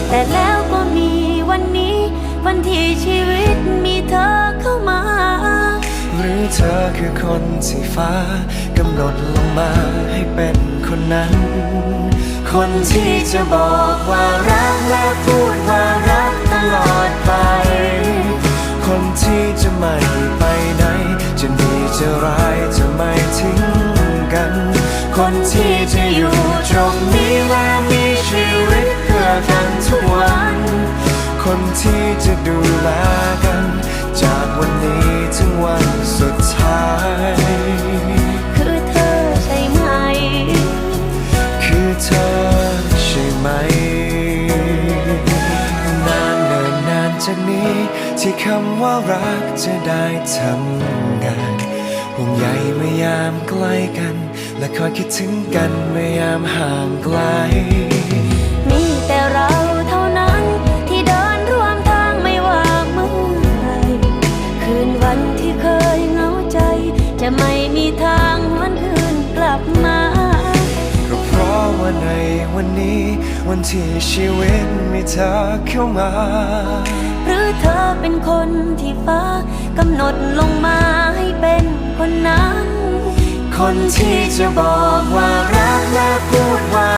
แต่แล้วก็มีวันนี้วันที่ชีวิตมีเธอเข้ามาหรือเธอคือคนที่ฟ้ากำหนดลงมาให้เป็นคนนั้นคนที่จะบอกว่ารักและพูดว่ารักตลอดไปคนที่จะไม่ไปไหนจะดีจะร้ายจะไม่ทิ้งกันคนที่จะอยู่ตรงนี้และมีชีวิตเพื่อกันทุกวันคนที่จะดูแลกันจากวันนี้ถึงวันสุดท้ายคือเธอใช่ไหมคือเธอใช่ไหมนานเนิ่นนานจากนี้ที่คำว่ารักจะได้ทำงานห่วงใยเมื่อยามใกล้กันและคอยคิดถึงกันเมื่อยามห่างไกลมีแต่เราเท่านั้นที่เดินร่วมทางไม่ว่าเมื่อไรคืนวันที่เคยเหงาใจจะไม่มีทางหวนคืนกลับมาก็เพราะว่าในวันนี้วันที่ชีวิตมีเธอเข้ามาหรือเธอเป็นคนที่ฟ้ากำหนดลงมาให้เป็นคนนั้นคนที่จะบอกว่ารักและพูดว่า